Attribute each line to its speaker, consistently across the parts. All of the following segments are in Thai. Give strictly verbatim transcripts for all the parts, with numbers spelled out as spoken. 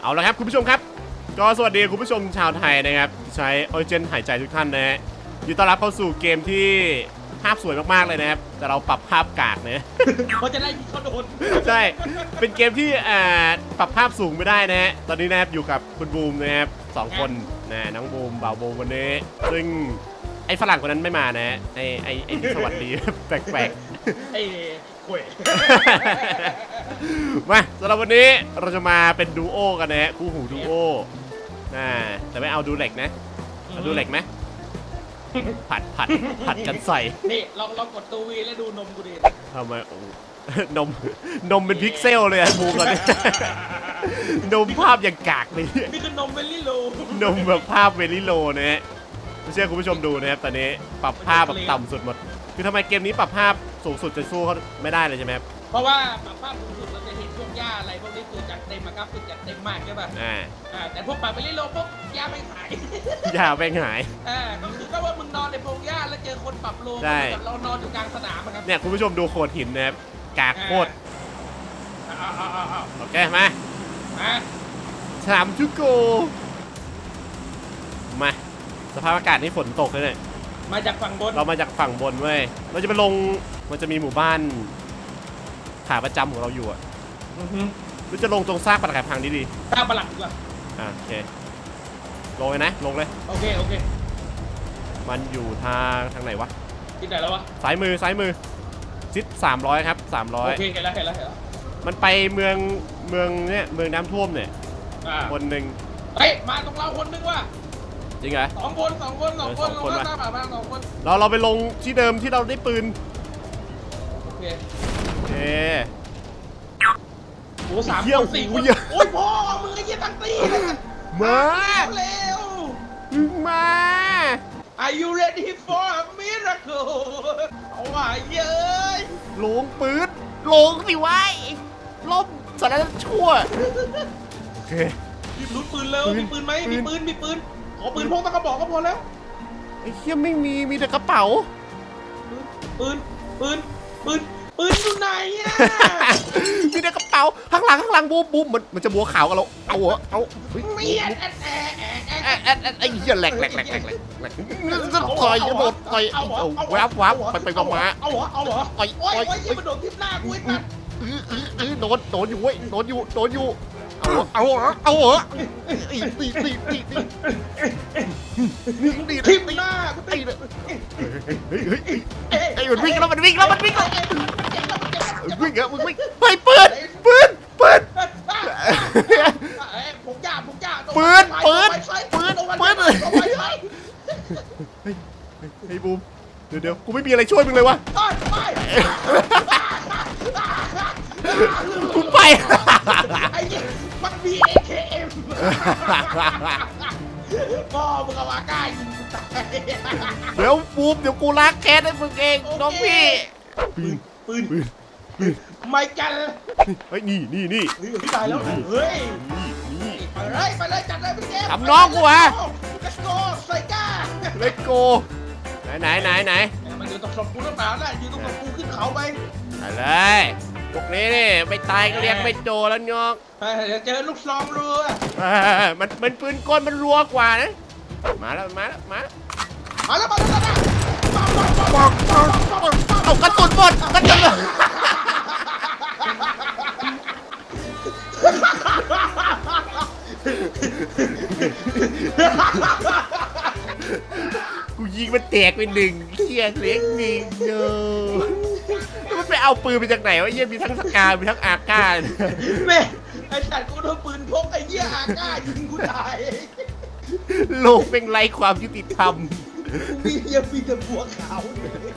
Speaker 1: เอาละครับคุณผู้ชมครับก็สวัสดีคุณผู้ชมชาวไทยนะครับใช้ออริจินหายใจทุกท่านนะฮะยินดีต้อนรับเข้าสู่เกมที่ภาพสวยมากๆเลยนะครับแต่เราปรับภาพกากนะ
Speaker 2: เขาจะได้ยิงเขาโดน
Speaker 1: ใช่เป็นเกมที่อ่าปรับภาพสูงไม่ได้นะฮะตอนนี้นะครับอยู่กับคุณบูมนะครับสองคนนะน้องบูมบ่าวบูมวันนี้ซึ่งไอ้ฝรั่งคนนั้นไม่มานะไอ้ไอ้ไอ้ที่สวัสดีแปลก
Speaker 2: ๆไอ้ข่วย
Speaker 1: มาสำหรับวันนี้เราจะมาเป็นดูโอกันนะฮะคู่หูดูโอนะแต่ไม่เอาดูเหล็กนะเอาดูเหล็กไหมผัดผัดผัดกันใส่
Speaker 2: นี่ลองลองกดตัววีแล้วดูนมกูดิ
Speaker 1: ทำไมโอ้นมนมเป็นพิกเซลเลยอะบูกันเนี่ยนมภาพอย่างกากเลย
Speaker 2: นี่คือนมเวลี่โล
Speaker 1: นมแบบภาพเวลี่โลนะฮะไม่เชื่อคุณผู้ชมดูนะครับตอนนี้ปรับภาพแบบต่ำสุดหมดคือทำไมเกมนี้ปรับภาพสูงสุดจะสู้เขาไม่ได้เลยใช่ไหมครับ
Speaker 2: เพราะว่าปรับภาพสูงสุดเราจะเห็นพวกหญ้าอะไรพวกนี้คือจัดเต็มมากราฟิกจัดเต็มมากใช่ป่ะ
Speaker 1: อ่า
Speaker 2: อ่าแต่พวกปรับเวลี่โลพวกหญ้าไม่หาย
Speaker 1: หญ้าไม่หาย
Speaker 2: อ่าก็คือก็ว่ามึงนอนในพงหญ้าแล้วเจอคนปรับโลแบบเรานอนอยู่กลางสนามครับ
Speaker 1: เนี่ยคุณผู้ชมดูโขดหินนะครับกากโคตรโอเคมาสามชุกโกมาสภาพอากาศนี่ฝนตกเลยเนี่ย
Speaker 2: มาจากฝั่งบน
Speaker 1: เรามาจากฝั่งบนเว้ยเราจะไปลงมันจะมีหมู่บ้านขาประจำของเราอยู่อ่ะเราจะลงตรงซากปรักหักพังดี
Speaker 2: ๆซากปรักหัก
Speaker 1: อ่ะโอเคลงเลยนะลงเลย
Speaker 2: โอเคโอเค
Speaker 1: มันอยู่ทางทางไหนวะ
Speaker 2: ที่ไหนแล้ววะ
Speaker 1: ซ้ายมือซ้ายมือซิดสามร้อยครับสามร้อย
Speaker 2: โอเคเห็นแล้วเห็นแล้วเห็นแล้ว
Speaker 1: มันไปเมืองเมืองเนี่ยเมืองน้ำท่วมเนี่ยคนหนึ่ง
Speaker 2: เฮ้ยมาตรงเราคนนึงว่ะ
Speaker 1: จริงเหรอ
Speaker 2: สองคนสองคนสองคนลงมาตามมาสองคน
Speaker 1: เราเราไปลงที่เดิมที่เราได้ปืน
Speaker 2: โอเค
Speaker 1: โอเค
Speaker 2: โอ้สามคนสี่คนโอ้ยพ่อมึงไอ้ยี่ตั้งตีเลย
Speaker 1: มา
Speaker 2: เร็ว
Speaker 1: มา
Speaker 2: Are you ready for a miracle เอาว่าเย้ย
Speaker 1: ลงปืนลงสิวะล่มสารชั่วโอเค
Speaker 2: มีลุ้นปืนแล้วมีปืนไหมมีปืนมีปืนขอปืนพกตะกระบอกก็พอแล้ว
Speaker 1: ไอ้เหี้ยไม่มีมีแต่กระเป๋า
Speaker 2: ปืนปืนปืนปืนอยู่ไหนอ่ะ
Speaker 1: มีแต่กระเป๋าข้างหลังข้างหลังบูมบูมมันมันจะบัวขาวกันเราเอาเหรอเอา
Speaker 2: ไม่แอดแอดแอด
Speaker 1: แอดแอดไอ้เหี้ยแหลกแหลกแหลกแหลกแหลกต่อยหมดต่อยเอาวับวับไปไปมามา
Speaker 2: เอาเหรอเอาเหรอ
Speaker 1: ต่อย
Speaker 2: โอ้ยโอ้ยมันโดนทิ่มหน้ากูไอ้ตัด
Speaker 1: เออโดนโดนอยู่เว้ยโดนอยู่โดนอยู่เอาเอาเหรอเอาเหรอตีตีตีตีตีตี
Speaker 2: ทิ่มหน้ากูตี
Speaker 1: เลยเฮ้ยเฮ้ยไอ้มันวิ่งแล้วมันวิ่งแล้วมันวิ่งแล้ววิ่งอะมึงวิ่งไปปืนปืนปืน
Speaker 2: ผมจ่าผมจ่า
Speaker 1: ปืนปืนปืนปืนเฮ้ยบูมเดี๋ยวเดี๋ยวกูไม่มีอะไรช่วยมึงเลยวะกูไป
Speaker 2: ไอ้เนี่ยมันมี เอ เค เอ็ม พ่อมึงเอามาใกล้ยิงตาย
Speaker 1: เดี๋ยวบูมเดี๋ยวกูล้างแค้นให้มึงเองน้องพี่
Speaker 2: ปืนปืนปืนไม่กัน
Speaker 1: เฮ้ยนี่นี่นี่
Speaker 2: พี่ตายแล้วเฮ้ยนี่ไปเลยไปเลยจัดเลยพี่เจม
Speaker 1: ทำน้องกูฮะ
Speaker 2: Let's go ใส่ก้า
Speaker 1: Let's go ไหนไหนไหนไหน
Speaker 2: มันอยู่ตรงศพกูตั้งนานแล้วอยู่ตรงศพกูขึ้นเขาไป
Speaker 1: ไปเลยพวกนี้นี่ไม่ตายก็เรียกไม่โจแล้วน้อง
Speaker 2: เดี๋ยวเจอลูกซองรัว
Speaker 1: มันเป็นปืนกลมันรัวกว่านะมาแล้วมาแล้วมา
Speaker 2: มาแล้วมาแล้วมา
Speaker 1: เอากระสุนหมดกระสุนหมดกูยิงมันแตกไปหนึ่งเขี้ยเล็กหนึ่งเนอะแล้วมันไปเอาปืนไปจากไหนวะเยี่ยมีทั้งสกามีทั้งอาก้า
Speaker 2: แม่ไอ้สัตว์กูโดนปืนพกไอ้เหี้ยอาก้ายิงกูตาย
Speaker 1: โลกเป็นไรความยุติธรรม
Speaker 2: มีเหี้ยมีแต่บัวขาว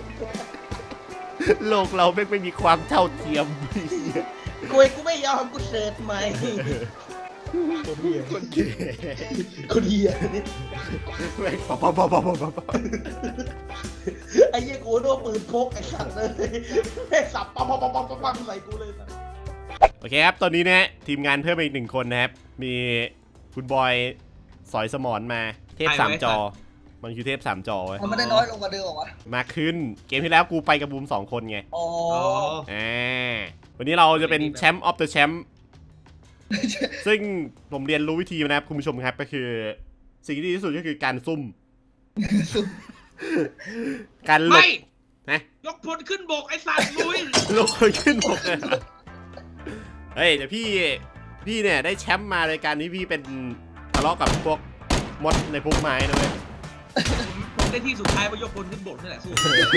Speaker 1: โลกเราไม่ไม่มีความเท่าเทียม
Speaker 2: กูกูไม่ยอมกูเสิร์ชใหม่คนเหี้ยคนเหี้ยคนเหี้ย
Speaker 1: ไม่ปะปะปะปะปะปะ
Speaker 2: ไอ้เหี้ยกูโดนปืนพกไอ้สัตว์เลยไอ้สับปั๊มปั๊มปั๊มปั๊มใส่กูเลยนะ
Speaker 1: โอเคครับตอนนี้นะทีมงานเพิ่มอีกหนึ่งคนนะครับมีคุณบอยสอยสมอนมาเทพสามจอมันคือเทพสามจอ
Speaker 3: มันไม่ได้น้อยลงกว่าเดิมหรอวะ
Speaker 1: มาขึ้นเกมที่แล้วกูไปกับบูมสองคนไง
Speaker 3: อ๋อ
Speaker 1: อ่าวันนี้เราจะเป็นแชมป์ออฟเดอะแชมป์ซึ่งผมเรียนรู้วิธีมานะครับคุณผู้ชมครับก็คือ สิ่งที่ดีที่สุดก็คือการซุ่ม การหลบ
Speaker 3: ไม่
Speaker 1: นะ
Speaker 3: ยกพลขึ้นบกไอ้สัตว์ลุย
Speaker 1: ลงคนขึ้นบกเลยเฮ้ยเดี๋ยวพี่พี่เนี่ยได้แชมป์มาในการที่พี่เป็นทะเลาะกับพวกมดในพวกไม้นะเว้ย
Speaker 3: ผมผมได้ที่สุดท้ายไปยกพลขึ้นบกนี่แหละสู้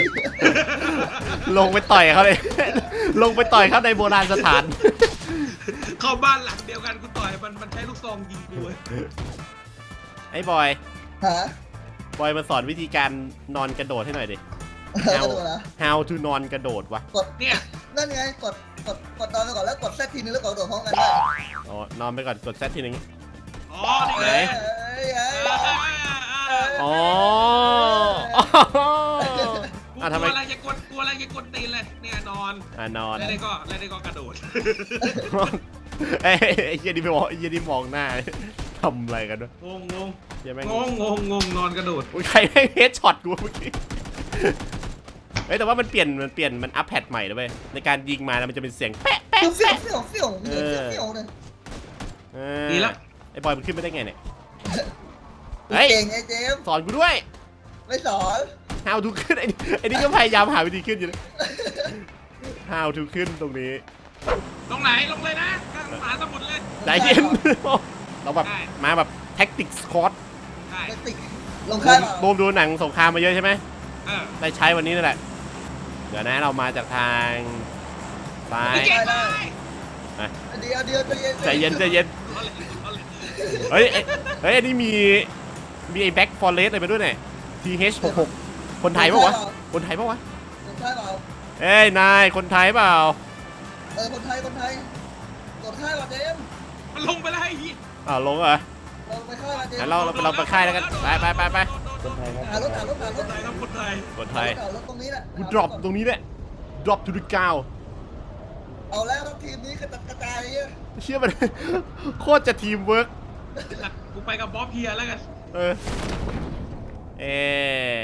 Speaker 1: ลงไปต่อยเขาเลย ลงไปต่อยเขาในโบราณสถาน
Speaker 3: เข้าบ้านหลังเดียวกันกูต่อยมันมันใช้ลูกซองยิงกูเว้ย
Speaker 1: ไอ้บอย
Speaker 2: ฮะ
Speaker 1: บอยมาสอนวิธีการนอนกระโดดให้หน่อยดิ
Speaker 2: กระโดดนะ
Speaker 1: how to นอนกระโดดวะ
Speaker 2: กด
Speaker 3: เนี่ย
Speaker 2: นั่นไงกดกดกดนอนไปก่อนแล้วกดแซดทีนึงแล้วกดกระโดดพร้อมกันได้
Speaker 1: อ๋อนอนไปก่อนกดแซดทีนึง
Speaker 3: อ๋อนี่ไง
Speaker 1: ไหน
Speaker 2: เอ้ยเอ้ย
Speaker 3: อ่า
Speaker 2: เอ้ย
Speaker 3: อ่าอ่า
Speaker 1: อ๋อ
Speaker 3: กู
Speaker 1: อ่ะ
Speaker 3: ก
Speaker 1: ทำไม
Speaker 3: ลัวอะไรจะกดกลัวอะไรจะกดตีนเลยเนี่ยนอน
Speaker 1: อ่ะนอน
Speaker 3: แล้วได้ก็แล้วได้ก็กระโดด
Speaker 1: เอ้ยไอ้เหี้ยนี่ไปมองไอ้เหี้ยนี่มองหน้า ทำอะไรกันด้วย
Speaker 3: งงงง
Speaker 1: เหี้ยแม่ง
Speaker 3: งงงงงงนอนกระโดด
Speaker 1: อุ๊ยใครแม่งเฮดช็อตกูเมื่อกี้เฮ้ยแต่ว่ามันเปลี่ยนมันเปลี่ยนมันอัพแพดใหม่แล้วเว้ยในการยิงมาแล้วมันจะเป็นเสียงแป๊ะแป๊ะ
Speaker 2: เฟี้ยวเฟี้ยวเฟี้ยวเฟี้ยวเฟี้ยวเฟี้ยวเลย
Speaker 1: เออ
Speaker 3: ดีละ
Speaker 1: ไอ้บอยมันขึ้นไปได้ไงเนี่ย เฮ้ย
Speaker 2: เก่งไอ้เจมส์
Speaker 1: สอนกูด้วย
Speaker 2: ไม่สอน
Speaker 1: how to ขึ้นไอ้นี่ไอ้นี่ก็พยายามหาวิธีขึ้นอยู่นะ how to ขึ้นตรงนี้
Speaker 3: ลงไหนลงเลยนะกลางมหาสมุทรเลย
Speaker 1: ใจเย็น เราแบบ
Speaker 3: ได้
Speaker 1: มาแบบแท็กติกสคอต
Speaker 3: ใช่
Speaker 2: ไม่ติดลงค่ายเปล่า
Speaker 1: บูมดูหนังสงครามมาเยอะใช่ไหม
Speaker 3: เออ
Speaker 1: ได้ใช้วันนี้นั่นแหละ เดี๋ยวนะเรามาจากทางซ้าย
Speaker 3: ไม่เก่งเลย
Speaker 2: เดียวเดียวใจเย็น
Speaker 1: ใจเย็นใจเย็น
Speaker 3: เอาเลยเอาเลย
Speaker 1: เฮ้ยเอ้ยเฮ้ยอันนี้มีมีไอ้แบ็กฟอร์เรสอะไรไปด้วยเนี่ย ที เอช หกสิบหก คนไทยปะวะ คนไทยปะวะ
Speaker 2: ลงค่ายเปล่า
Speaker 1: เอ้ยนายคนไทยเปล่า
Speaker 2: เออคนไทยคนไทยกดค่ายเปล่าเจมส์
Speaker 3: มันลงไปแล้วไอ้เหี้ย
Speaker 1: อ้าวลงเหรอ
Speaker 2: ลงไปค่ายเปล่าเจม
Speaker 1: งั้น
Speaker 2: ส์
Speaker 1: เราเราเราไปค่ายแล้วกันไปไปไปไป
Speaker 4: คนไทยครับ
Speaker 2: หารถหารถหาร
Speaker 3: ค
Speaker 2: ถ
Speaker 3: นไทยครับคนไทย
Speaker 1: คนไทย
Speaker 2: หารถตรงนี้แหละ
Speaker 1: กู drop ตรงนี้เนี่ย drop to the ground
Speaker 2: เอาแล้วทั้งทีมนี้กระจัดกระจายเนี่ย
Speaker 1: เชื่อมัน โคตรจะทีมเวิร์ก
Speaker 3: กูไปกับบ๊อบเฮียแล้วกัน
Speaker 1: เออ เอ๊ะ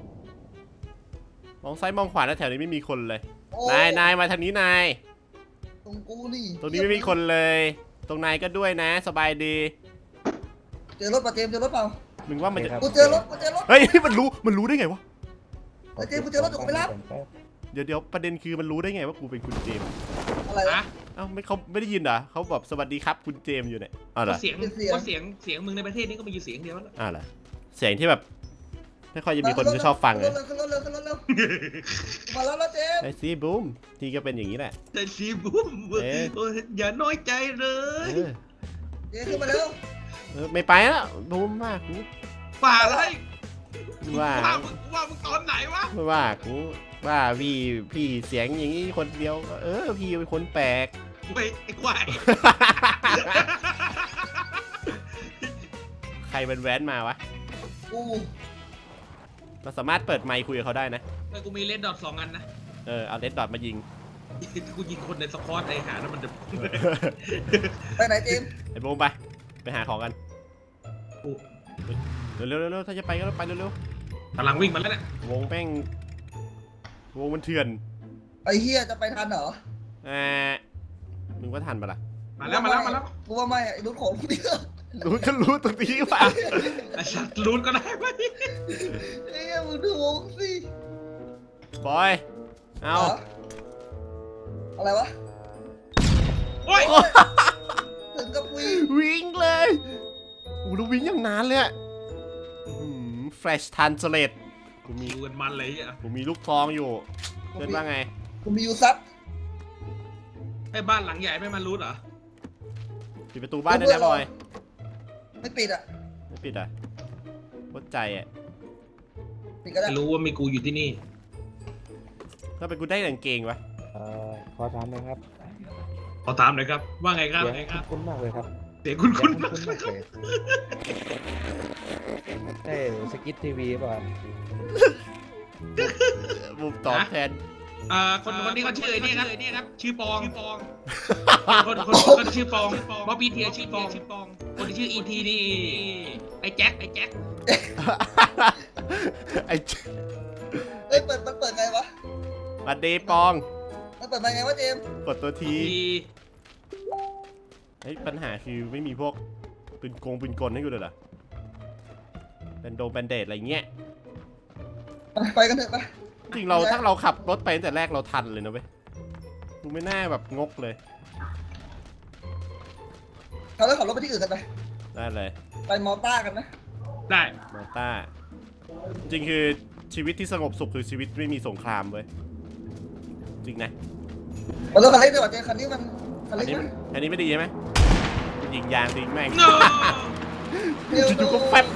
Speaker 1: มองซ้ายมองขวาแล้วแถวนี้ไม่มีคนเลย
Speaker 2: โอ้
Speaker 1: นายนายมาทางนี้นาย
Speaker 2: ตรงกูนี่
Speaker 1: ตรงนี้ไม่มีคนเลย ตรงนายก็ด้วยนะ สบายดี
Speaker 2: เจอรถป่ะเจมส์เจอรถเปล่า
Speaker 1: มึงว่ามันจะ
Speaker 2: กูเจอรถกูเจอรถ
Speaker 1: เฮ้ย มันรู้ มันรู้ได้ไงวะ
Speaker 2: เฮ้ยเจมส์กูเจอรถอยู่กูไปรับ
Speaker 1: เดี๋ยวเดี๋ยวประเด็นคือมันรู้ได้ไงว่ากูเป็นคุณเจมส์
Speaker 2: อะไรวะ
Speaker 3: นะ
Speaker 1: เอ้าไม่เขาไม่ได้ยินเหรอเขาแบบสวัสดีครับคุณเจมส์อยู่เนี่ยอ้าวเหร
Speaker 3: ก็
Speaker 1: อ
Speaker 3: เสียง
Speaker 2: เป็นเสียง
Speaker 3: ก็เสียงเสียงมึงในประเทศนี้ก็มีอยู่เสียงเดียวแล้ว
Speaker 1: อ้าวเหรอเสียงที่แบบไม่ค่อยจะมีคนไม่ชอบฟัง
Speaker 2: เล
Speaker 1: เลย ย
Speaker 2: ขึ้นรถเร็วขึ้นรถเร็วมาแล้วนะเจมส์
Speaker 1: ไอซีบูมทีก็เป็นอย่างนี้แหละ
Speaker 3: แต่ชีบุ้ม
Speaker 1: เอ๊ะ
Speaker 3: โอ้ยอย่าน้อยใจเล
Speaker 1: เอย อ
Speaker 2: เจมส์ขึ้นมาเร็ว
Speaker 1: เออไม่ไปแล้วบูมมากกู
Speaker 3: ป่าอะไร
Speaker 1: ว่า
Speaker 3: ว่ามึงว่ามึงตอนไหนวะ
Speaker 1: ไม่ว่ากูว่าพี่พี่เสียงอย่างนี้คนเดียวก็เออพี่เป็นคนแปลก
Speaker 3: เว้ยไอ้ควาย
Speaker 1: ใครเป็นแว้นมาวะ
Speaker 2: กู
Speaker 1: เราสามารถเปิดไมค์คุยกับเขาได้นะ
Speaker 3: แต่กูมีเลนดอทสองอันนะ
Speaker 1: เออเอาเลดดอทมายิง
Speaker 3: กูยิงคนในสควอตไอ้หาแล้วมันจะ
Speaker 2: ไปไหนเจมส์
Speaker 1: ไอ้บูมไปไปหาของกันเร็วเร็วเร็วถ้าจะไปก็ไปเร็วเร็ว
Speaker 3: กำลังวิ่งมาแล้วเนี่ย
Speaker 1: วงแป้งวงมันเถื่อน
Speaker 2: ไอ้เฮียจะไปทันเหรอ
Speaker 1: เออมึงว่าทันปะล่ะ
Speaker 3: มาแล้วมาแล้วมาแล้ว
Speaker 2: กูว่าไม่ไอ้รุ่นของกูเนี่ย
Speaker 1: รู้ก็รู้ตรงนี้ป่ะ
Speaker 3: ไอ้สัตว์ลุ้นก็ได้ไหม
Speaker 2: ไอ้เฮียมึงดูวงสิ
Speaker 1: บอยเอา
Speaker 2: หรอะไรวะ
Speaker 3: โอ้ย
Speaker 2: ถึงกับวิ่ง
Speaker 1: วิ่งเลยโอ้โหแล้ววิ่งอย่างนานเลยอะแฟลชทันสเลตกูมี
Speaker 3: ดูกันมันเลยอ่ะ
Speaker 1: กูมีลูกซองอยู่เพื่อนว่าไง
Speaker 2: กูมียูซับ
Speaker 3: ไอ้บ้านหลังใหญ่ไม่มารู้เหรอ
Speaker 1: ปิดประตูบ้านได้แล้วบอย
Speaker 2: ไม่ปิดอ่ะ
Speaker 1: ไม่ปิดอ่ะโคตรใจอ่ะ
Speaker 2: ปิดก็ได้
Speaker 3: ไม่รู้ว่ามีกูอยู่ที่นี่
Speaker 1: ถ้าเป็นกูได้กางเกงวะ
Speaker 4: เอ่อขอถามหน่อยครับ
Speaker 3: ขอถามหน่อยครับ ว่าไงครับ
Speaker 4: เสียง
Speaker 3: ไงครับ
Speaker 4: คุ้นๆมากเลยครับ
Speaker 3: เสียงคุณคุณ
Speaker 4: เสียงคุ้นๆมากเลยใช่สกิททีวีป่ะครับ
Speaker 1: มุมตอบแทน
Speaker 3: อ่าคนคนนี้เขาชื่อไอ้นี่ครับนี่ครับ ชื่อปองชื่อปอง คนคนคนชื่อปองบ๊อบบี้เทียชื่อปองชื่อปอง คนที่ชื่ออีทีนี่ไอ้แจ็คไอ้แจ็ค
Speaker 1: ไอ้
Speaker 2: เอ้ยเปิดมันเปิดไงวะ
Speaker 1: บัดดีปอง
Speaker 2: มันเปิดมาไงวะเจมส์
Speaker 1: กดตัวที
Speaker 3: ที
Speaker 1: เฮ้ยปัญหาคือไม่มีพวกปืนโกงปืนกลให้กูเลยเหรอเป็นโดมแบนเดดอะไรเงี้ย
Speaker 2: ไปกันเถอะไป
Speaker 1: จริงเราถ้าเราขับรถไปตั้งแต่แรกเราทันเลยนะเว้ยกูไม่น่าแบบงกเลย
Speaker 2: เราเลิกขับรถไปที่อื่นกันไป
Speaker 1: ได้เลย
Speaker 2: ไปมอต้ากันนะ
Speaker 3: ได้
Speaker 1: มาต้าจริงคือชีวิตที่สงบสุขคือชีวิตไม่มีสงครามเว้ยจริงนะ
Speaker 2: เราเลิกคันเล็กดีกว่าเจคันนี้มันคัน
Speaker 1: อั
Speaker 2: เล็
Speaker 1: น
Speaker 2: ก
Speaker 1: นี้
Speaker 2: นะ
Speaker 1: อันนี้ไม่ดีใช่ไหมยิงยางทิ้งแม่ง
Speaker 3: โน้
Speaker 1: จู่ๆก็แฟบ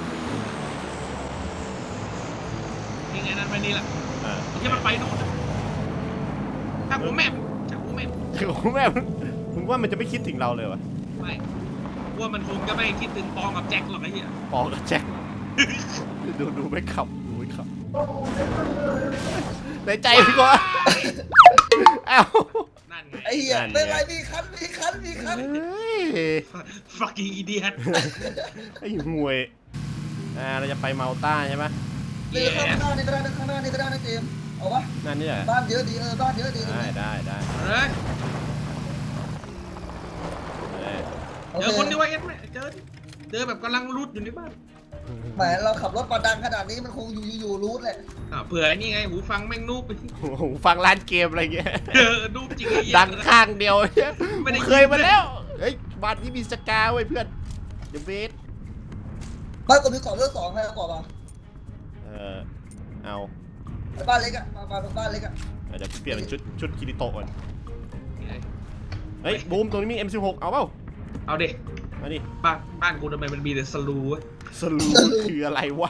Speaker 3: ยังไงนั้นไปนี่แหละ
Speaker 1: อ่า
Speaker 3: ที่มันไปโน่นถ้าหัวแม่จากหัวแม่
Speaker 1: โอ้โหแม่มึงมึงว่ามันจะไม่คิดถึงเราเลยวะ
Speaker 3: ไม่ว่ามันคงจะไม่คิดถึงปองกับแจ็คหรอกไอ้เหี้ย
Speaker 1: ปอกับแจ็ค ดูดูไม่ขับดูไม่ขับในใจพี่ก็เอ้า
Speaker 3: นั่นไง
Speaker 2: ไอ้เหี้ย
Speaker 1: นั่นไง
Speaker 2: เป็นไรมีคันมีคันมีคัน
Speaker 1: เฮ้ย
Speaker 3: fucking idiot
Speaker 1: ไอ้ห่วยอ่าเราจะไปเมาต้าใช่ไหม
Speaker 2: เดี๋ยวข้างหน้านี่ก็ได้นะข้างหน้านี่ก็ได้นะเจมส์เอาวะ
Speaker 1: นั่นนี่เหรอ
Speaker 2: บ้านเยอะดีเออบ้านเยอะดี
Speaker 1: ได้ได้ได้
Speaker 3: เฮ้ย
Speaker 1: เออ
Speaker 2: โอ
Speaker 3: เจอ
Speaker 2: เค
Speaker 3: คนที่ว่าเอ็ดไหมเจอเจอแบบกำลังรูดอยู่ในบ้าน
Speaker 2: แหมเราขับรถมาดังขนาดนี้มันคงอยู่อยู่รูทแหละ
Speaker 3: อ่าเผื่อไอ้นี่ไงหูฟังแม่งนูบไปที่
Speaker 1: โอ้โหฟังร้านเกมอะไรเงี้ย
Speaker 3: เออนูบจริงไอ้เหี้ย
Speaker 1: ดังข้างเดียวเนี่ย
Speaker 3: ไม่ได้ยิน
Speaker 1: เคยมาแล้ว เฮ้ยบ้านนี้มีสกาเว้ยเพื่อนเดอะเบส
Speaker 2: บ้านกูมีเกาะเลือกสองใครเอาเกาะมา
Speaker 1: เออเอา
Speaker 2: ไอ้บ้านเล็กอะมามาเป็นบ้านเล็กอะ
Speaker 1: เดี๋ยวเปลี่ยนเป็นชุดชุดคิริโตะก่อนเฮ้ยบูมตรงนี้มี เอ็ม สิบหก เอาเปล่า
Speaker 3: เอาเด็
Speaker 1: มาดิ
Speaker 3: บ้านบ้านกูทำไมมันมีแต่สลูวะ
Speaker 1: สลูคืออะไรวะ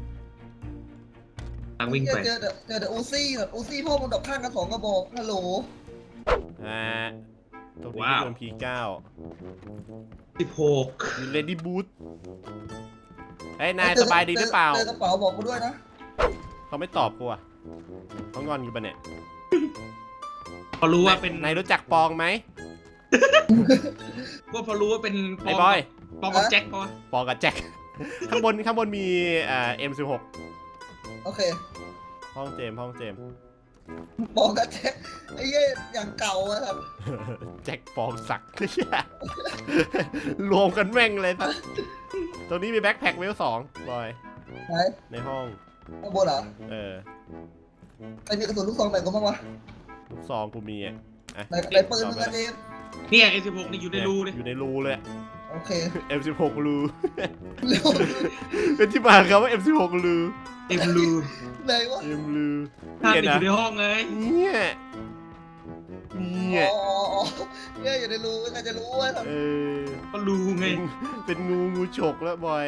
Speaker 3: ทางวิ่งไป
Speaker 2: เจอเจอเจอเดอะอูซี่แบบอูซี่พ่อมันดอกข้างกันสองกระบอกฮัลโหล
Speaker 1: อ่าตรงนี้โดน พี เก้า
Speaker 3: สิบหก
Speaker 1: มีเลดี้บูทเฮ้ยนายสบายดีหรือเปล่า
Speaker 2: เจอกระเป๋าบอกกูด้วยนะ
Speaker 1: เขาไม่ตอบกูอ่ะเขางอนกูปะเนี่ย
Speaker 3: พอรู้ว่าเป็น
Speaker 1: นายรู้จักปองไหม
Speaker 3: ว่าพอรู้ว่าเป็นป
Speaker 1: ไอ้
Speaker 3: อง
Speaker 1: บอย
Speaker 3: ปองกับแจ็คปะวะ
Speaker 1: ปองกับแจ็ค ข้างบนข้างบนมีอ่า เอ็ม สิบหก
Speaker 2: โอเค
Speaker 1: ห้องเจมส์ห้องเจมส์
Speaker 2: บอกกันแจ็คไอ้เหี้ยอย่างเก่าอะครับ
Speaker 1: แจ็คปองศักดิ์ รวมกันแม่งเลยครับตรงนี้มีแบ็คแพ็คเวลสองบอย
Speaker 2: ไหน
Speaker 1: ในห้อง
Speaker 2: ข้างบนเหรอ
Speaker 1: เออ
Speaker 2: ไอ้มีกระสุนลูกซองไหนกูบ้างวะ
Speaker 1: ลูกซองกูมีอ่ะอ่ะ
Speaker 2: ไหนไหนปืนมึงอะเจมส์
Speaker 3: เนี่ยเอสิบหกนี่อยู่ในรูเลย
Speaker 1: อยู่ในรูเลย
Speaker 2: โอเค
Speaker 1: เอ็ม สิบหก รู
Speaker 2: เร็ว
Speaker 1: เป็นที่มาครับว่า เอ็ม สิบหก รู
Speaker 3: เต็มรู
Speaker 2: ไหนวะ
Speaker 1: เอ็มรู
Speaker 3: ถ้า
Speaker 1: เนี่ย
Speaker 3: ติดอ
Speaker 1: นะ
Speaker 3: ยู่ในห้องไง
Speaker 1: เนี่ยเนี่ย
Speaker 2: อ๋ออ๋อเนี่ยอยู่ในรูใครจะรู้วะครับ
Speaker 1: เออ
Speaker 3: ก็รูไง
Speaker 1: เป็นงูงูฉกแล้วบอย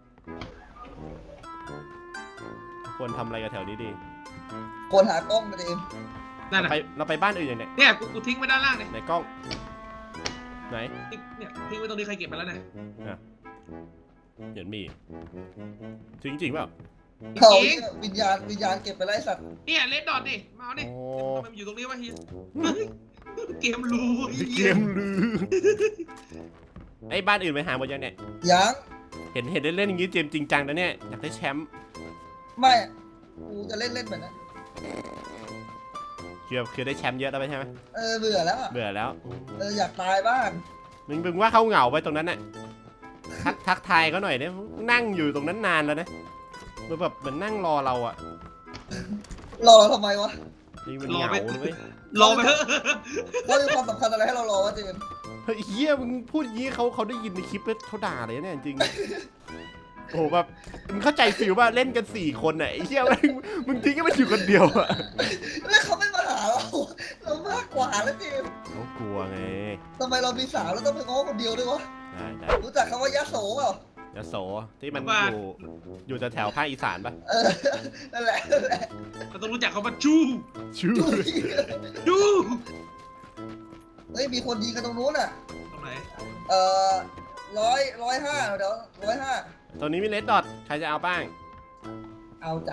Speaker 1: ควรทำอะไรกับแถวนี้ดี
Speaker 2: คนหากล้องมาเจมส์
Speaker 3: นั่น
Speaker 1: เรา
Speaker 3: น่ะ
Speaker 1: ไปเราไปบ้านอื่นอย่างเนี้ย
Speaker 3: เนี่ยกูกูทิ้งไว้ด้านล่างเนี่ย
Speaker 1: ไหนกล้องไหน
Speaker 3: ทิ้งเนี่ยทิ้งไว้ตรงนี้ใครเก็บไปแล้วนะ
Speaker 1: เห็นมีจริงจริงๆเปล่า
Speaker 2: เขา
Speaker 3: จริง
Speaker 2: เนี่ยวิญญาณวิญญาณเก็บไปไล่สัตว์
Speaker 3: เนี่ยเลดดอทดิมาเอาดิ
Speaker 1: โอ้
Speaker 3: ทำไมมันอยู่ตรงนี้วะเฮียเฮ้ยเกมรูไอ้
Speaker 1: เก
Speaker 3: เหี้ย
Speaker 1: มลือไอ้บ้านอื่นไปหาหมดยังเนี่ย
Speaker 2: ยัง
Speaker 1: เห็นเห็นเล่นๆอย่างงี้เจมส์จริงจังนะเนี่ยอยากได้แชมป์
Speaker 2: ไม่กูจะเล่นเล่นแบบนั้น
Speaker 1: คือคือได้แชมป์เยอะแล้วใช่ไหม
Speaker 2: เออเบื่อแล้วอะ
Speaker 1: เบื่อแล้ว
Speaker 2: เอออยากตายบ้าง
Speaker 1: มึงมึงว่าเขาเหงาไปตรงนั้นน่ะทักทักทายเขาหน่อยเนี่ยนั่งอยู่ตรงนั้นนานแล้วนะมันแบบเหมือนนั่งรอเราอ่ะ
Speaker 2: รอเราทำไมวะ
Speaker 1: นี่มันเหงาเลยเว้ย
Speaker 3: รอไปเถอะ
Speaker 2: เขามีความสำคัญอะไรให้เรารอวะเจมส์
Speaker 1: เฮ้ยเฮียมึงพูดอย่างงี้เขาเขาได้ยินในคลิปแล้วเขาด่าเลยเนี่ยจริง โอ้โหแบบมึงเข้าใจฟิลว่าเล่นกันสี่คนน่ะไอ้เหี้ยแม่งมึงทิ้งให้มันอยู่คนเดียวอะ
Speaker 2: แล้วเขาไม่มาหาเรา เรามากกว่าแล้วเจมส์
Speaker 1: เขากลัวไง
Speaker 2: ทำไมเรามีสาวแล้วต้องไปง้อคนเดียวด้วยวะ
Speaker 1: ได้ได้
Speaker 2: รู้จักคำว่ายะโสเปล่า
Speaker 1: ยโสที่มันอยู่อยู่แถวๆภาคอีสานปะ
Speaker 2: เออ นั่นแหละนั่นแหละ
Speaker 3: เราต้องรู้จักเขาว่าจู
Speaker 1: ชื่อ
Speaker 3: จู
Speaker 2: เฮ้ยมีคนยิงกันตรงนู้นอ่ะ
Speaker 3: ตรงไหน
Speaker 2: เอ่อร้อยร้อยห้าเดี๋ยวร้อยห้า
Speaker 1: ตอนนี้มีเลดดอทใครจะเอาบ้าง
Speaker 2: เอาจ้ะ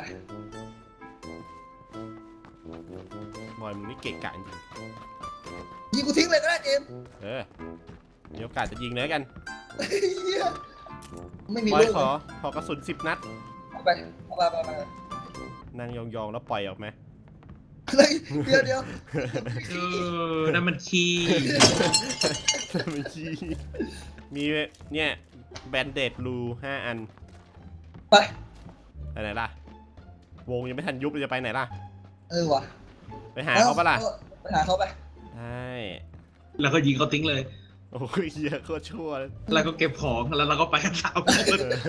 Speaker 1: บอยมึงนี่เก่งกาจจริง
Speaker 2: ยิงกูทิ้งเลยก็ได้เจมส์
Speaker 1: เออมีโอกาสจะยิงเลยกัน
Speaker 2: เหี้ยไม่มี
Speaker 1: บอ
Speaker 2: ลู
Speaker 1: ย
Speaker 2: ก
Speaker 1: ขอขอกระสุนสิบนัด
Speaker 2: เอาไปเอาไปเอาไปเอาไป
Speaker 1: นั่งยองๆแล้วปล่อยออกไหม
Speaker 2: เดี๋ยวเดี๋ยว
Speaker 3: เออนั่นมันขี้
Speaker 1: ไม่ชี้มีเนี่ยแบนเดดรูห้าอัน
Speaker 2: ไป
Speaker 1: ไปไหนล่ะ วงยังไม่ทันยุบเลยจะไปไหนล่ะ
Speaker 2: เออว่ะ
Speaker 1: ไปหาเขาปะล่ะ
Speaker 2: ไปหาเขาไป
Speaker 1: ใช่
Speaker 3: แล้วก็ยิงเขาทิ้งเลย
Speaker 1: โอ้ยเหี้ยอะโคตรชั่วเลย
Speaker 3: แล้วก็เก็บของแล้วเราก็ไปกันสามคน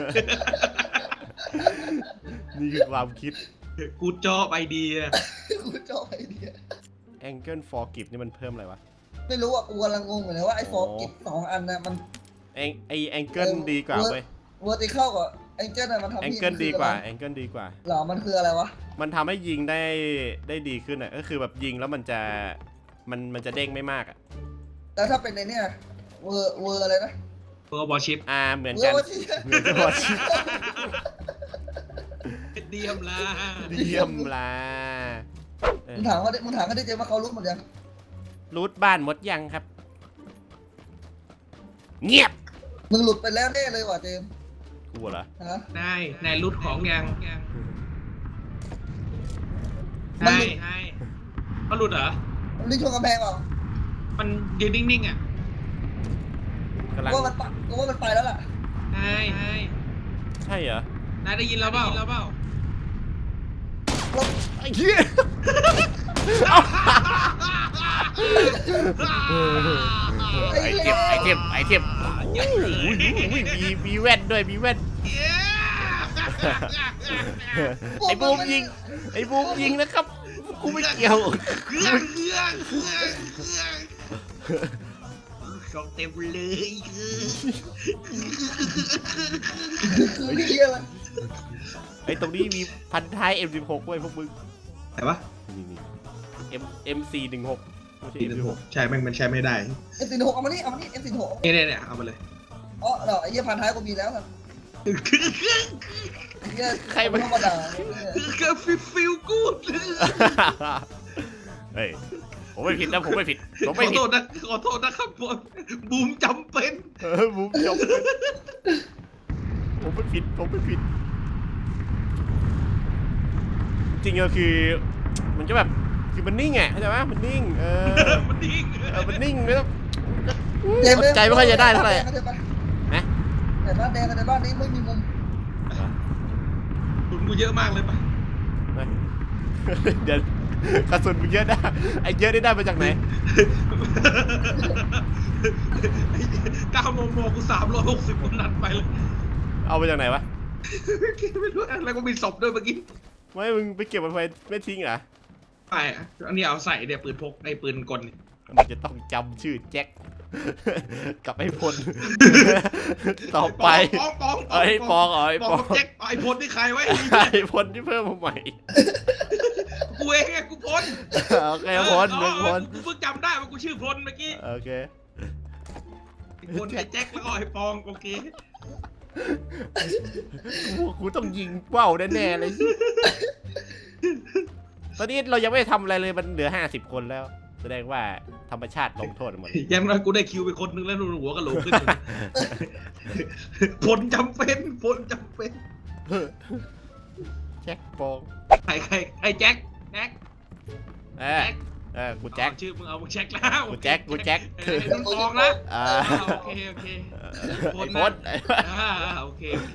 Speaker 1: นี่คือความคิด
Speaker 3: กูจอไอเดีย
Speaker 2: กูชอบไอเดีย
Speaker 1: Angle for Gift นี่มันเพิ่มอะไรวะ
Speaker 2: ไม่รู้อ่ะกูกำลังงงอยู่เลยว่าไอ้ฟอร์กิฟสองอันน่ะมัน
Speaker 1: แองไอ Angle ดีกว่าเว้ย
Speaker 2: เวอร์ติเคิลกับไอ้เจ้าน่ะมันทำให้
Speaker 1: Angle ดีกว่า Angle ดีกว่า
Speaker 2: หรอมันคืออะไรวะ
Speaker 1: มันทำให้ยิงได้ได้ดีขึ้นอ่ะ ก็คือแบบยิงแล้วมันจะมันมันจะเด้งไม่มากอ่ะ
Speaker 2: แล้วถ้าเป็นในเนี่ยเวอร์เวอร์อะไรนะ
Speaker 3: เพื่อบอลชิป
Speaker 1: อ่าเหมือน
Speaker 2: เวอ
Speaker 1: กัน
Speaker 2: ร์ว่าที่
Speaker 1: เหมือนกันหมด
Speaker 3: เดียมละ
Speaker 1: เยี่ยมละเออ
Speaker 2: มึงถามเขาดิมึงถามเขาดิเจมส์ว่าเขารู้หมดยัง
Speaker 1: รูทบ้านหมดยังครับ เงียบ
Speaker 2: มึงหลุดไปแล้วแน่เลยว่ะเจมส์
Speaker 1: กูเหรอ
Speaker 2: ฮะ
Speaker 3: นายนายรุดของยัง
Speaker 2: มัน
Speaker 3: นา
Speaker 2: หลุ
Speaker 3: ย
Speaker 2: ด
Speaker 3: นายมันหลุดเหรอ
Speaker 2: ลิงชนกำแพงเปล่า
Speaker 3: มันยืนนิ่งๆอ่ะ
Speaker 1: กำลัง
Speaker 2: กูว่ามันปะกูว่ามันไปแล้วล่ะ
Speaker 3: นายนาย
Speaker 1: ใช่เหรอ
Speaker 3: นายได้ยินแล้วเปล่าแล้วเปล่า
Speaker 1: ไอ้เหี้ยไอ้เจ็บไอ้เจ็บไอ้เจ็บโอ้โหมีมีแว่นด้วยมีแว่น ไอ้บูมยิง ไอ้บูมยิงนะครับ กูไม่เกี่ยว
Speaker 3: เครื่องเครื่องเครื่องเครื่องของเต็มเลยคือ
Speaker 2: คือเฮียอะไร
Speaker 1: ไอ้ตรงนี้มีพันท้าย เอ็ม สิบหก ด้วยพวกมึง
Speaker 3: ไหนวะ
Speaker 1: นี่นี่ M เอ็ม สี่ หนึ่ง หก ไม่ใช่ เอ็ม สิบหก
Speaker 3: ใช่มันมันใช้ไม่ได้
Speaker 2: เอ็มสี่หกเอามานี่เอามานี่เอ็มสี่หก
Speaker 3: เนี่ยเนี่ยเนี่ยเอามาเลย
Speaker 2: อ๋อเหรอไอ้เหี้ยพันท้ายกูมีแล้วครับไอ้เหี้ย
Speaker 1: ใครมัน
Speaker 2: ธรรมดา
Speaker 3: ก็ฟิลฟิลกูด
Speaker 1: เฮ้ย ผมไม่ผิดนะผมไม่ผิด ผม
Speaker 3: ข
Speaker 1: ไม่
Speaker 3: อ
Speaker 1: ผิ
Speaker 3: โท
Speaker 1: ด
Speaker 3: ษนะขอโทษนะครับผมบูมจำเป็น
Speaker 1: เออบูมจบเลยผมไม่ผิด ผมไม่ผิด จริงๆก็คือ มันจะแบบ คือมันนิ่งไงเข้าใจไหมมันนิ่ง เออ
Speaker 3: มันดิ้ง
Speaker 1: เออ มันนิ่งไม่ต้อง
Speaker 2: เจมส์
Speaker 1: ใจไม่ค่อยจะได้เท่าไหร่ นะ
Speaker 2: แต่บ้านแดงกับในบ้านนี้ไม่มีมุม
Speaker 3: ตุนกูเยอะมากเลยปะ
Speaker 1: เดี๋ยวกระสุนมึงเยอะได้ไอ้เยอะได้ได้มาจากไหน
Speaker 3: เก้าโมงโมกูสามร้อยหกสิบคนนัดไปเลย
Speaker 1: เอามาจากไหนวะ
Speaker 3: ไม่รู้อะไรก็มีศพด้วยเมื่อกี้
Speaker 1: ไม่มึงไปเก็บมันไว้ไม่ทิ้งเหรอ
Speaker 3: ไปอ่ะอันนี้เอาใส่เนี่ยปืนพกไอ้ปืนกลเนี่ย
Speaker 1: มันจะต้องจำชื่อแจ็ค กับไอ้พล ต่อไป
Speaker 3: ปองปอง
Speaker 1: เอาไอ้ปองเอาไอ้
Speaker 3: ป
Speaker 1: ป
Speaker 3: อ
Speaker 1: อง ง
Speaker 3: กับแจ็คไอ้พลนี่ใครไว้
Speaker 1: ไอ้พลที่เพิ่มมาใหม่
Speaker 3: กูเองไงกูพล
Speaker 1: โอเคพลหนึ่งพล
Speaker 3: กูเพิ่งจำได้ว่ากูชื่อพลเมื่อกี้
Speaker 1: โอเค
Speaker 3: ไอ้พลไอ้แจ็คแล้วก็ไอ้ปองโอเค
Speaker 1: กูกูต้องยิงเป้าแน่ๆเลย ตอนนี้เรายังไม่ได้ทำอะไรเลยมันเหลือห้าสิบคนแล้ว แสดงว่าธรรมชาติลงโทษหมด
Speaker 3: อยังน้อยกูได้คิวไปคนนึงแล้วหัวกะโหลกขึ้นพลจำเป็นพลจำเป็น
Speaker 1: แจ็คปอง
Speaker 3: ใครใครไอ้แจ็คแจ็ค
Speaker 1: เออเออกูแจ็ค
Speaker 3: เอาชื่อมึงเอามึงแจ็คแล้ว
Speaker 1: กูแจ็คกูแจ็ค
Speaker 3: ไอ้นุ่นปองนะ
Speaker 1: อ่า
Speaker 3: อ่าโอเคโอเค
Speaker 1: ไอ้พล
Speaker 3: อ่าโอเคโอเค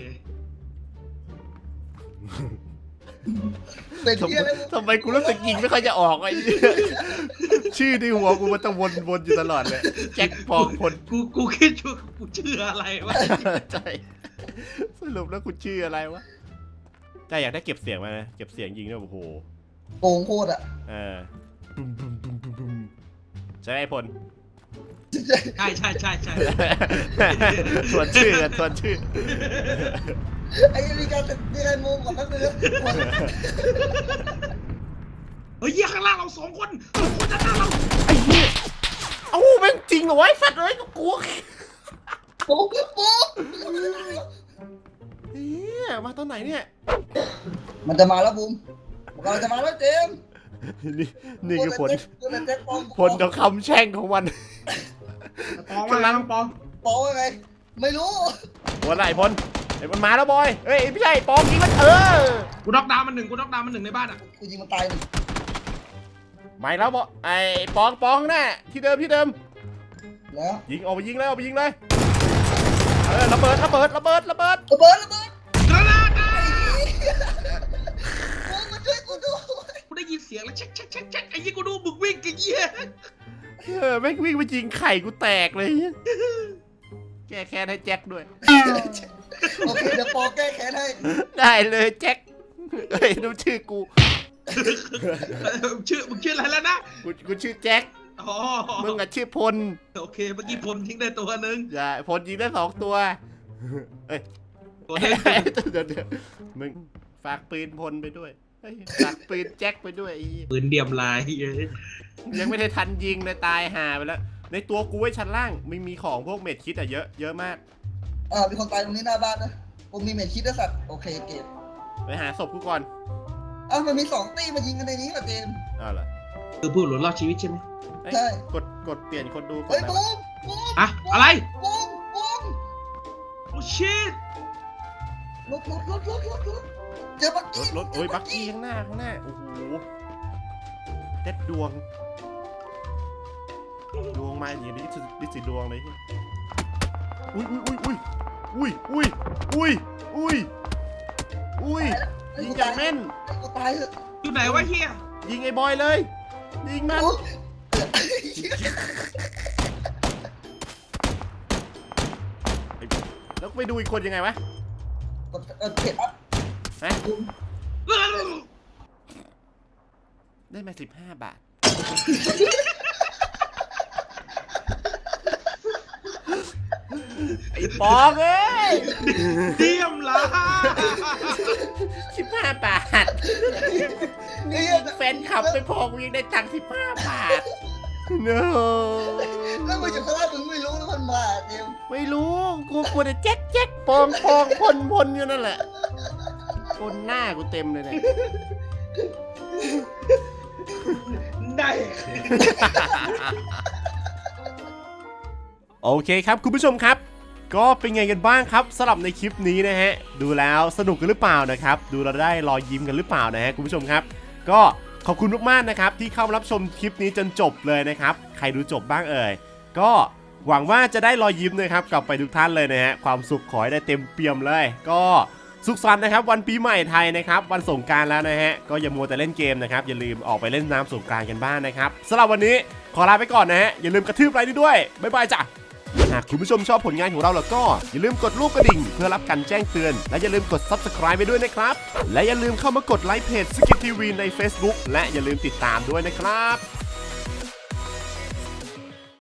Speaker 2: เป็น
Speaker 1: ทำ
Speaker 2: เหี้ย
Speaker 1: ไม
Speaker 2: อะไร
Speaker 1: ทำไมกูรู้สึกยิงไม่ค่อยจะออกไอ้เหี้ยชื่อในหัวกูมันต้องวนวนอยู่ตลอดเลยแจ็คปองพล
Speaker 3: กูกูคิดว่ากูชื่ออะไรวะ
Speaker 1: ใช่สรุปแล้วกูชื่ออะไรวะแต่อยากได้เก็บเสียงมานะเก็บเสียงยิงด้วยโอ้โห
Speaker 2: โกงโคตรอ่ะ
Speaker 1: เออบุ้มบุ้มบุ้มบุ้มบุ้มใช่ไหมไอ้พล
Speaker 3: ใช่ใช่ใช่ใช่
Speaker 1: ส่วนชื่อกันส่วนชื่อ
Speaker 2: ไอ้มีการมีการมุมก่อนแป๊บนึง
Speaker 3: เฮ้ยเหี้ยข้างล่างเราสองคนสองคนด้านหน้าเรา
Speaker 1: ไอ้เหี้ยเอ้าแม่งจริงเหรอวะไอ้สัตว์เอ้ยกูกลัว
Speaker 2: โป๊ะโป๊ะ
Speaker 1: เฮียมาตอนไหนเนี่ย
Speaker 2: มันจะมาแล้วบูมมันกำลังจะมาแล้วเจมส์
Speaker 1: นี่นี่คือผล
Speaker 2: กูเป็นแจ็คปอง
Speaker 1: ผลของคำแช่งของมัน
Speaker 3: ปองมาแล้วปอง
Speaker 2: ปองว่าไงไม่รู้
Speaker 1: วันไหนพลไอ้มันมาแล้วบอยเฮ้ยไม่ใช่ปอมยิงมันเออ
Speaker 3: กูน็อกดาวน์มันหนึ่งกูน็อกดาวน์มันหนึ่งในบ้านอ่ะ
Speaker 2: กูยิงมันตายหนึ่ง
Speaker 1: ไม่แล้วบอไอ้ปองปองแน่ที่เดิมที่เดิม
Speaker 2: แล้ว
Speaker 1: ยิงออกไปยิงเลยออกไปยิงเลยเออระเบิดระเบิดระเบิดระเบิด
Speaker 2: ระเบิดระเบิด
Speaker 3: กระดาษ
Speaker 2: มึงมาช่วยกูด้วย
Speaker 3: กูได้ยินเสียงแล้วเช็คเช็คเช็คเช็คไอ้ยี่กูดูมึงวิ่งกันเยี่ย
Speaker 1: เออแม่งวิ่งไปยิงไข่กูแตกเลยแก้แค้นให้แจ็คด้วย
Speaker 2: โอเคเดี๋ยวปอแก้แค้นให้
Speaker 1: ได้เลยแจ็คเฮ้ยดูชื่อกู
Speaker 3: ชื่อมึงชื่ออะไรแล้วนะ
Speaker 1: กูกูชื่อแจ็ค
Speaker 3: อ๋อ
Speaker 1: มึงอะชื่อพล
Speaker 3: โอเคเมื่อกี้พลทิ้งได้ตัวหนึ่ง
Speaker 1: อย่าพลยิงได้สองตัวเอ้ย
Speaker 3: ตัวหนึง
Speaker 1: เดี๋ยวเดี๋ยวมึงฝากปืนพลไปด้วยเฮ้ยฝากปืนแจ็คไปด้วยไอ้เหี้ย
Speaker 3: ปืนเดียมลาย
Speaker 1: ยังไม่ได้ทันยิงเลยตายห่าไปแล้วในตัวกูไว้ชั้นล่างไม่มีของพวกเม็ดคิดอะเยอะเยอะมาก
Speaker 2: อ่ามีคนตายตรงนี้หน้าบ้านนะผมมีเม็ดคิดด้วยสัตว์โอเคเก็บ
Speaker 1: ไปหาศพกูก่อน
Speaker 2: อ้าวมันมีสองตีมายิงกันในนี้เหรอเจมส์
Speaker 1: อ้าวเหรอ
Speaker 3: คือผู้หลุดรอดชีวิตใช่ไหม
Speaker 1: เอ้ย
Speaker 2: ใช่
Speaker 1: กดกดเปลี่ยนคนดูกด
Speaker 2: เฮ้ย
Speaker 1: แล้ว
Speaker 2: บูมบูม
Speaker 3: อะอะไร
Speaker 2: บูมบูม
Speaker 3: โอ้ชิต
Speaker 2: รถรถรถรถรถรถเจอบัก
Speaker 1: ร
Speaker 2: กี้
Speaker 1: ถรถโอ้ยบักกี้ข้างหน้าข้างหน้าโอ้โหเด็ดดวงดวงมาอย่างนี้ดิดิสิดวงเลยอุ้ยอุ้ยอุ้ยอุ้ยอุ้ยอุ้ยอุ้ยอุ้ยยิงอย่างแม่น
Speaker 2: กูตายเถอะ
Speaker 3: อยู่ไหนวะเฮีย
Speaker 1: ยิงไอ้บอยเลยยิงมัน
Speaker 2: บูม
Speaker 1: แล้วไปดูอีกคนยังไงวะ
Speaker 2: กดเออเก็บอ่ะ
Speaker 1: ฮะ
Speaker 2: บูม
Speaker 1: ได้มาสิบห้าบาทไอ้ปองเอ้ย
Speaker 3: เดียมลาย
Speaker 1: สิบห้าบาท
Speaker 2: นี่
Speaker 1: แฟนขับไปพอกูยังได้ตังค์สิบห้าบาท no
Speaker 2: แล้วมึงอยู่ข้างล่างมึงไม่รู้แล้วมันมาเจมส์
Speaker 1: ไม่รู้กูกลัวแต่แจ๊กแจ๊กปองปองพลพลอยู่นั่นแหละคนหน้ากูเต็มเลยเนี่ย
Speaker 2: ได้
Speaker 1: โอเคครับคุณผู้ชมครับ ก็เป็นไงกันบ้างครับสำหรับในคลิปนี้นะฮะดูแล้วสนุกกันหรือเปล่านะครับดูเราได้รอยยิ้มกันหรือเปล่านะฮะคุณผู้ชมครับก็ขอบคุณมากๆนะครับที่เข้ามารับชมคลิปนี้จนจบเลยนะครับใครดูจบบ้างเอ่ยก็หวังว่าจะได้รอยยิ้มนะครับกลับไปทุกท่านเลยนะฮะความสุขขอให้ได้เต็มเปี่ยมเลยก็สุขสันต์นะครับวันปีใหม่ไทยนะครับวันสงกรานต์แล้วนะฮะก็อย่ามัวแต่เล่นเกมนะครับอย่าลืมออกไปเล่นน้ำสงกรานต์กันบ้างนะครับสำหรับวันนี้ขอลาไปก่อนนะฮะอย่าลืมกระทืบไลค์ด้วยบ๊ายบายจ้ะหากคุณผู้ชมชอบผลงานของเราแล้วก็อย่าลืมกดรูปกระดิ่งเพื่อรับการแจ้งเตือนและอย่าลืมกด ซับสไครบ์ ไปด้วยนะครับและอย่าลืมเข้ามากดไลค์เพจสกิททีวีใน Facebook และอย่าลืมติดตามด้วยนะครับ